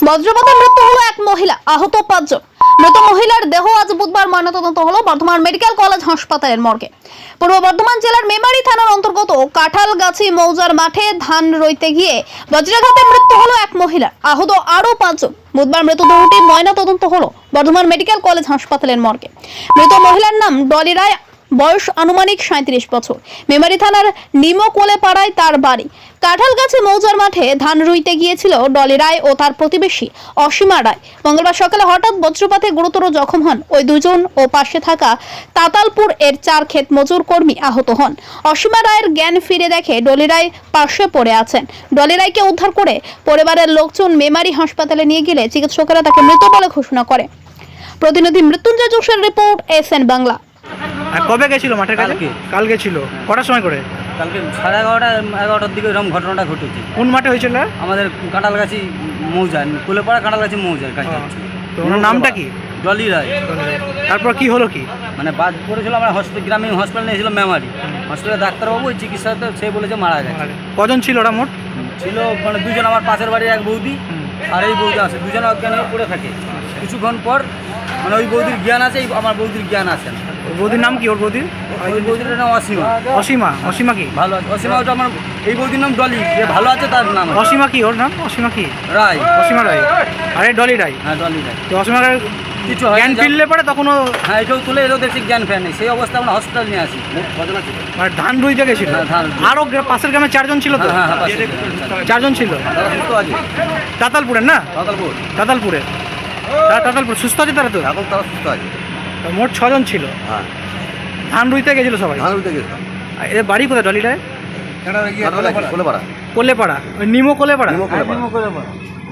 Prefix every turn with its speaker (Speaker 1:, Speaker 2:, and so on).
Speaker 1: বজ্রপাতে মৃত্যু হলো এক মহিলা, আহত 5 জন। মৃত মহিলার দেহ আজ বুধবার ময়নাতদন্ত হলো বর্ধমান মেডিকেল কলেজ হাসপাতালের মর্গে। পূর্ব বর্ধমান জেলার মেমারি থানার অন্তর্গত কাঁঠালগাছি মৌজার মাঠে ধান রইতে গিয়ে বজ্রাঘাতে মৃত্যু হলো এক মহিলার, আহত আরো 5 জন। বুধবার মৃতদেহটি ময়নাতদন্ত হলো বর্ধমান মেডিকেল কলেজ হাসপাতালের মর্গে। মৃত মহিলার নাম ডলি রায়, বয়স আনুমানিক 37 বছর। মেমারি থানার নিমকোলে পাড়ায় তার বাড়ি। কাঁঠালগাছি মৌজার মাঠে ধান রুইতে গিয়েছিল ডলি রায় ও তার প্রতিবেশী অসীমা রায়। মঙ্গলবার সকালে হঠাৎ বজ্রপাতে গুরুতর জখম হন ওই দুজন ও পাশে থাকা তাতালপুর এর 4 ক্ষেত মজুর কর্মী আহত হন। অসীমা রায়ের জ্ঞান ফিরে দেখে ডলি রায় পাশে পড়ে আছেন। ডলি রায়কে উদ্ধার করে পরিবারের লোকজন মেমারি হাসপাতালে নিয়ে গেলে চিকিৎসকেরা তাকে মৃত বলে ঘোষণা করে। প্রতিনিধি মৃত্যুঞ্জয় যোশের রিপোর্ট, এসএন বাংলা।
Speaker 2: কবে গেছিল মাঠের কাছে? কাল গেছিল। কটার সময় করে?
Speaker 3: কালকে 11:30-11টার দিকে এরকম ঘটনাটা ঘটেছে।
Speaker 2: কোন মাঠে হয়েছিল?
Speaker 3: আমাদের কাঁঠালগাছি মৌজা, কুলেপাড়া কাঁঠালগাছি মৌজার কাছে।
Speaker 2: তো ওনার নামটা কি?
Speaker 3: ডলি রায়।
Speaker 2: তারপর কি হলো কি?
Speaker 3: মানে বাদ পড়েছিল, আমরা গ্রামীণ হসপিটাল নিয়েছিল মেমারি। হসপিটালে ডাক্তারবাবু ওই চিকিৎসাতে সে বলেছে মারা গেছে।
Speaker 2: কজন ছিল ওরা মোট?
Speaker 3: ছিল মানে 2 জন, আমার পাশের বাড়ির এক বৌদি আর এই বৌদি আছে, দুজনে অজ্ঞান হয়ে পড়ে থাকে। কিছুক্ষণ পর মানে ওই বৌদির জ্ঞান আছে, আমার বৌদির জ্ঞান আছে না।
Speaker 2: বৌদির নাম কি? ওর বৌদির?
Speaker 3: ওই বৌদির নাম অসীমা।
Speaker 2: অসীমা? অসীমা কি?
Speaker 3: ভালো আছে অসীমা। ওটা আমার এই বৌদির নাম ডলি, যে ভালো আছে তার নাম
Speaker 2: অসীমা কি? ওর নাম অসীমা কি?
Speaker 3: রায়।
Speaker 2: অসীমা রায়। আরে ডলি রায়?
Speaker 3: হ্যাঁ, ডলি রায়।
Speaker 2: তো অসীমা রায়
Speaker 3: কিছু
Speaker 2: জ্ঞান ফিরলে পরে তখন
Speaker 3: হ্যাঁ এটাও তুলে এলেও দেখছি জ্ঞান ফের নেই। সেই অবস্থা আমরা হসপিটাল নিয়ে আসি।
Speaker 2: মানে ধান রুইতে গেছিল?
Speaker 3: হ্যাঁ, ধান।
Speaker 2: আরো পাশের গ্রামে 4 জন ছিল তো?
Speaker 3: হ্যাঁ হ্যাঁ,
Speaker 2: 4 জন ছিল।
Speaker 3: তারা সুস্থ আছে।
Speaker 2: তাতালপুরের না?
Speaker 3: তাতালপুর।
Speaker 2: তাতালপুরের। তাতালপুর সুস্থ আছে তারা তো?
Speaker 3: এখন তারা সুস্থ আছে।
Speaker 2: তো মোট 6 জন ছিল।
Speaker 3: হ্যাঁ,
Speaker 2: ধান রুইতে গেছিল সবাই?
Speaker 3: ধান উঠে গেছে।
Speaker 2: এর বাড়ি কোথায় ডলিটায়?
Speaker 3: কোলেপাড়া।
Speaker 2: কোলেপাড়া, ওই নিমো কোলেপাড়া?
Speaker 3: কোলেপাড়া।